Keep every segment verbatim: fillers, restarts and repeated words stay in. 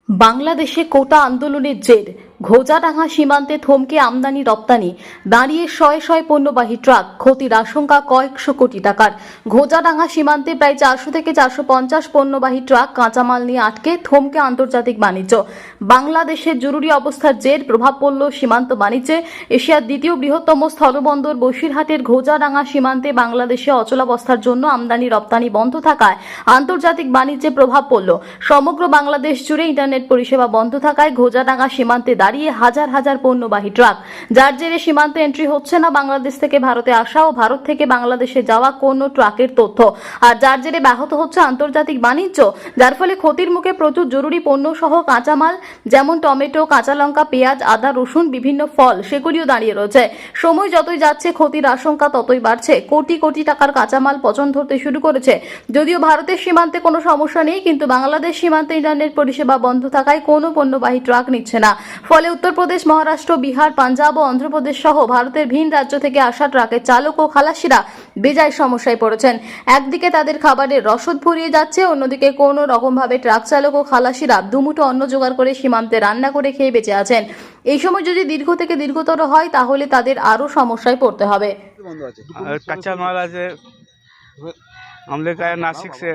বাংলাদেশে কোটা আন্দোলনের জের ঘোজাডাঙ্গা সীমান্তে থমকে আমদানি রপ্তানি, দাঁড়িয়ে শয়ে শয়ে পণ্যবাহী ট্রাক, ক্ষতির আশঙ্কা কয়েকশো কোটি টাকার। ঘোজাডাঙ্গা সীমান্তে প্রায় চারশো থেকে চারশো পঞ্চাশ পণ্যবাহী ট্রাক কাঁচামাল নিয়ে আটকে থমকে আন্তর্জাতিক বাণিজ্য। বাংলাদেশের জরুরি অবস্থার জের প্রভাব পড়ল সীমান্ত বাণিজ্যে। এশিয়ার দ্বিতীয় বৃহত্তম স্থলবন্দর বসিরহাটের ঘোজাডাঙ্গা সীমান্তে বাংলাদেশে অচলাবস্থার জন্য আমদানি রপ্তানি বন্ধ থাকায় আন্তর্জাতিক বাণিজ্যে প্রভাব পড়ল। সমগ্র বাংলাদেশ জুড়ে ইন্টারনেট পরিষেবা বন্ধ থাকায় ঘোজাডাঙ্গা সীমান্তে দাঁড়িয়ে হাজার হাজার পণ্যবাহী ট্রাক, যার জেরে সীমান্তে এন্ট্রি হচ্ছে না বাংলাদেশ থেকে ভারতে আসা ও ভারত থেকে বাংলাদেশে যাওয়া কোনো ট্রাকের তথ্য, আর যার জেরে ব্যাহত হচ্ছে আন্তর্জাতিক বাণিজ্য। যার ফলে ক্ষতির মুখে প্রচুর জরুরি পণ্য সহ কাঁচামাল যেমন টমেটো, কাঁচা লঙ্কা, পেঁয়াজ, আদা, রসুন, বিভিন্ন ফল সেগুলিও দাঁড়িয়ে রয়েছে। সময় যতই যাচ্ছে ক্ষতির আশঙ্কা ততই বাড়ছে। কোটি কোটি টাকার কাঁচামাল পচন ধরতে শুরু করেছে। যদিও ভারতের সীমান্তে কোনো সমস্যা নেই, কিন্তু বাংলাদেশ সীমান্তে ইন্টারনেট পরিষেবা বন্ধ থাকায় কোনো পণ্যবাহী ট্রাক নিচ্ছে না। ফলে উত্তরপ্রদেশ, মহারাষ্ট্র, বিহার, পাঞ্জাব ও অন্ধ্রপ্রদেশ সহ ভারতের ভিন রাজ্য থেকে আসা ট্রাকের চালক ও খালাসিরা বেজায় সমস্যায় পড়েছেন। একদিকে তাদের খাবারের রসদ ফুরিয়ে যাচ্ছে, অন্যদিকে কোনো রকমভাবে ট্রাক চালক ও খালাসিরা দুমুঠো অন্ন জোগাড় করে সীমান্তে রান্না করে খেয়ে বেঁচে আছেন। এই সময় যদি দীর্ঘ থেকে দীর্ঘতর হয় তাহলে তাদের আরো সমস্যায় পড়তে হবে। कच्चा माल आज हम लेकर आए नासिक से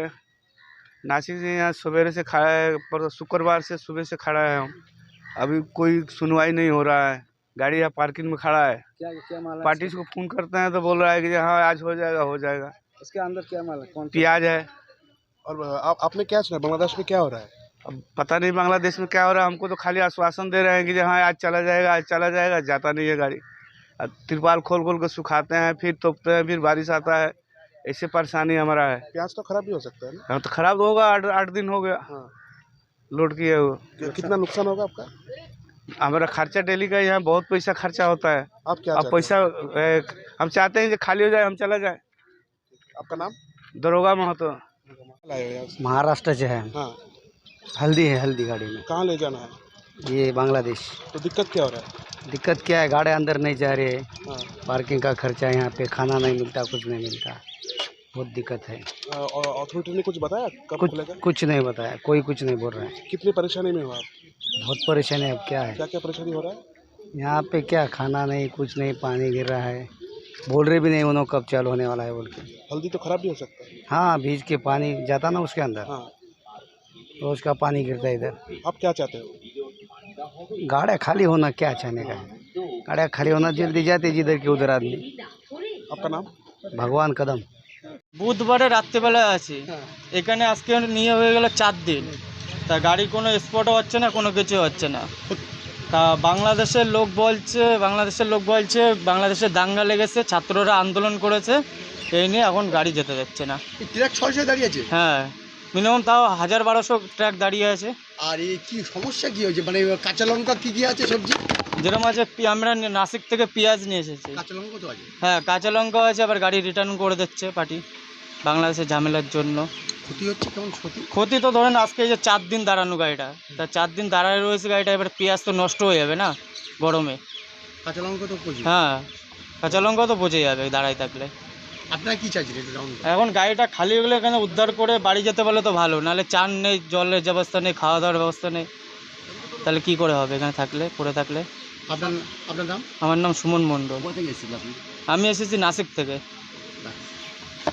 नासिक से यहाँ सवेरे से खड़ा है, पर शुक्रवार से सुबह से खड़ा है हम। अभी कोई सुनवाई नहीं हो रहा है। गाड़ी यहाँ पार्किंग में खड़ा है। क्या क्या माल है? पार्टी को फोन करते हैं तो बोल रहा है कि हाँ आज हो जाएगा हो जाएगा। इसके अंदर क्या माल है? कौन सा? प्याज है। और आप आपने क्या सुना बांग्लादेश में क्या हो रहा है? अब पता नहीं बांग्लादेश में क्या हो रहा है। हमको तो खाली आश्वासन दे रहे हैं कि हाँ आज चला जाएगा आज चला जाएगा, जाता नहीं है गाड़ी। तिरपाल खोल खोल कर सुखाते हैं, फिर तोपते हैं, फिर बारिश आता है। ऐसे परेशानी हमारा है। प्याज तो खराब भी हो सकता है ना? हाँ तो खराब तो होगा। आठ आठ दिन हो गया हाँ। लोड किए हुए। कि- कितना नुकसान होगा आपका? हमारा खर्चा डेली का यहाँ बहुत पैसा खर्चा होता है। आप क्या अब चाहते पैसा ए, हम चाहते हैं कि खाली हो जाए, हम चला जाए। हैं? आपका नाम? दरोगा महतो। लाए हो यहाँ से? महाराष्ट्र से है। हाँ। हल्दी है, हल्दी गाड़ी में। कहाँ ले जाना है? ये बांग्लादेश। तो दिक्कत क्या हो रहा है? दिक्कत क्या है, गाड़ी अंदर नहीं जा रहे, हाँ। पार्किंग का खर्चा, यहाँ पे खाना नहीं मिलता, कुछ नहीं मिलता, बहुत दिक्कत है। आ, और अथॉरिटी ने कुछ बताया कब कुछ खुलेगा? कुछ नहीं बताया, कोई कुछ नहीं बोल रहा है। कितनी परेशानी में हो आप? बहुत परेशानी है। अब क्या है, क्या क्या परेशानी हो रहा है? यहाँ पे क्या खाना नहीं, कुछ नहीं, पानी गिर रहा है, बोल रहे भी नहीं उन्होंने कब चालू होने वाला है बोल के। हल्दी तो खराब भी हो सकता है। हाँ, भीज के पानी जाता ना उसके अंदर, हाँ। रोज का पानी गिरता है इधर। आप क्या चाहते हो? गाड़ियाँ खाली होना क्या चाहने का है, गाड़ियाँ खाली होना, जल्दी जाते जिधर के उधर आदमी। आपका नाम? भगवान कदम। বুধবারে রাত্রেবেলায় আছি এখানে, আজকে নিয়ে হয়ে গেল চার দিন, তা গাড়ি কোনো স্পটও হচ্ছে না, কোনো কিছু হচ্ছে না। তা বাংলাদেশের লোক বলছে বাংলাদেশের লোক বলছে বাংলাদেশে দাঙ্গা লেগেছে, ছাত্ররা আন্দোলন করেছে, এই নিয়ে এখন গাড়ি যেতে দিচ্ছে না। ট্রাক ছয়শো দাঁড়িয়ে আছে। হ্যাঁ, মিনিমাম তাও হাজার বারোশো ট্রাক দাঁড়িয়ে আছে। আর এই কি সমস্যা কি হয়েছে, মানে কাঁচা লঙ্কা কি কি আছে সবজি? যেরকম আছে পি- আমরা নাসিক থেকে পেঁয়াজ নিয়ে এসেছি। কাঁচা লঙ্কা তো আছে। হ্যাঁ, কাঁচা লঙ্কাও আছে, আবার গাড়ি রিটার্ন করে দিচ্ছে পার্টি বাংলাদেশের ঝামেলার জন্য। ক্ষতি হচ্ছে কেমন ক্ষতি? ক্ষতি তো ধরেন আজকে এই যে চার দিন দাঁড়ানো গাড়িটা, তা চার দিন দাঁড়ায় রয়েছে গাড়িটা, এবার পেঁয়াজ তো নষ্ট হয়ে যাবে না গরমে। কাঁচা লঙ্কা তো প্রচুর। হ্যাঁ, কাঁচা লঙ্কাও তো পচে যাবে দাঁড়ায় থাকলে। আপনারা কি চাইছেন এটা রাউন্ড? এখন গাড়িটা খালি হয়ে গেলে এখানে উদ্ধার করে বাড়ি যেতে পারলে তো ভালো, নাহলে চান নেই, জলের ব্যবস্থা নেই, খাওয়া দাওয়ার ব্যবস্থা নেই, তাহলে কি করে হবে এখানে থাকলে, পড়ে থাকলে। আপনার আপনার নাম? আমার নাম সুমন মণ্ডল। কোথা থেকে এসেছিলেন আপনি? আমি এসেছি নাসিক থেকে।